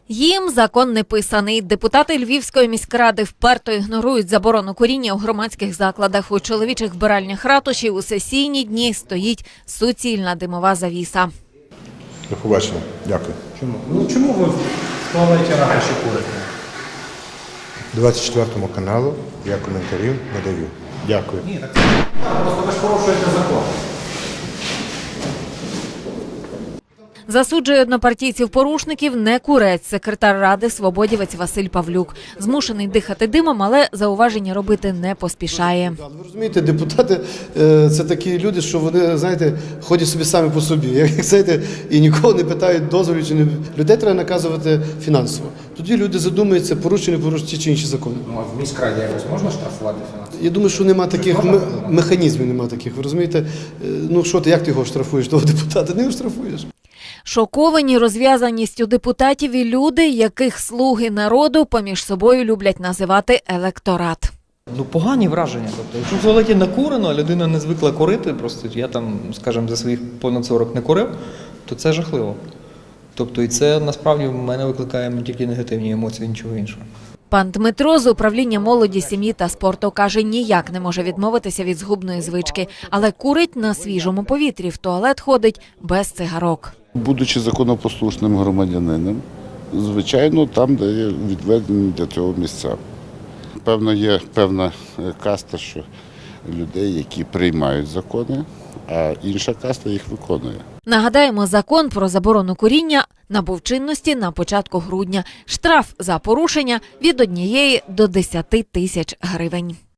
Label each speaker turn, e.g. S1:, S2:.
S1: Їм закон не писаний. Депутати Львівської міськради вперто ігнорують заборону куріння у громадських закладах. У чоловічих вбиральнях ратуші у сесійні дні стоїть суцільна димова завіса.
S2: До побачення. Дякую.
S3: Чому ви в туалеті ратуші курите?
S2: 24 каналу я коментарів не даю. Дякую.
S3: Ні, так просто ви ж порушуєте закон.
S1: Засуджує однопартійців-порушників не курець, секретар ради свободівець Василь Павлюк. Змушений дихати димом, але зауваження робити не поспішає.
S4: Ви розумієте, депутати – це такі люди, що вони, знаєте, ходять собі самі по собі. Як знаєте, і нікого не питають дозволів, чи не людей треба наказувати фінансово. Тоді люди задумуються, порушені ті чи інші закони.
S3: Ну, а в міськраді якось можна штрафувати фінансово?
S4: Я думаю, що нема таких механізмів, нема таких. Ви розумієте, ну що ти, як ти його штрафуєш, того депутата? Не його штрафуєш.
S1: Шоковані розв'язаністю депутатів і люди, яких слуги народу поміж собою люблять називати електорат.
S5: Погані враження. Тобто, якщо в туалеті накурено, а людина не звикла курити, просто я там, скажімо, за своїх понад 40 не курив, то це жахливо. Тобто, і це насправді в мене викликає тільки негативні емоції, нічого іншого.
S1: Пан Дмитро з управління молоді, сім'ї та спорту каже, ніяк не може відмовитися від згубної звички, але курить на свіжому повітрі, в туалет ходить без цигарок.
S6: Будучи законопослушним громадянином, звичайно, там, де є відведені для цього місця. Певно, є певна каста, що людей, які приймають закони, а інша каста їх виконує.
S1: Нагадаємо, закон про заборону куріння набув чинності на початку грудня. Штраф за порушення від 1 до 10 тисяч гривень.